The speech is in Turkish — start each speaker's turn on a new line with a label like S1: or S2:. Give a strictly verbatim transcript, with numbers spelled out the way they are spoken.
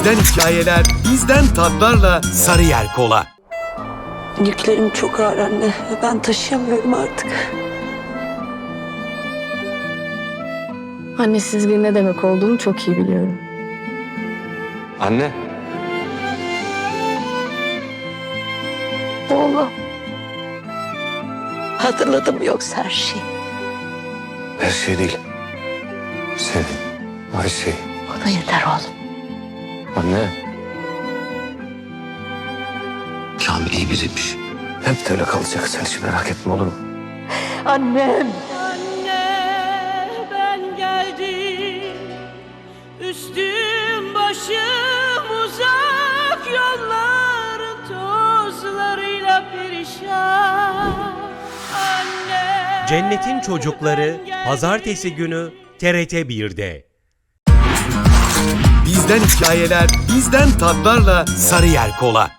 S1: Bizden hikayeler, bizden tatlarla Sarıyer Kola.
S2: Yüklerim çok ağır anne ve ben taşıyamıyorum artık.
S3: Annesizliğin ne demek olduğunu çok iyi biliyorum.
S4: Anne.
S2: Oğlum. Hatırladım yoksa her şeyi.
S4: Her şey değil. Senin. Her şey.
S2: O da yeter oğlum.
S4: Anne. Kamil iyi biriymiş. Hep de öyle kalacak. Sen hiç merak etme, olur mu?
S2: Annem.
S5: Anne ben geldim, üstüm başım uzak, yolların tozlarıyla perişan. Anne.
S6: Cennetin Çocukları Pazartesi günü T R T bir'de.
S1: Bizden hikayeler, bizden tatlarla Sarıyer Kola.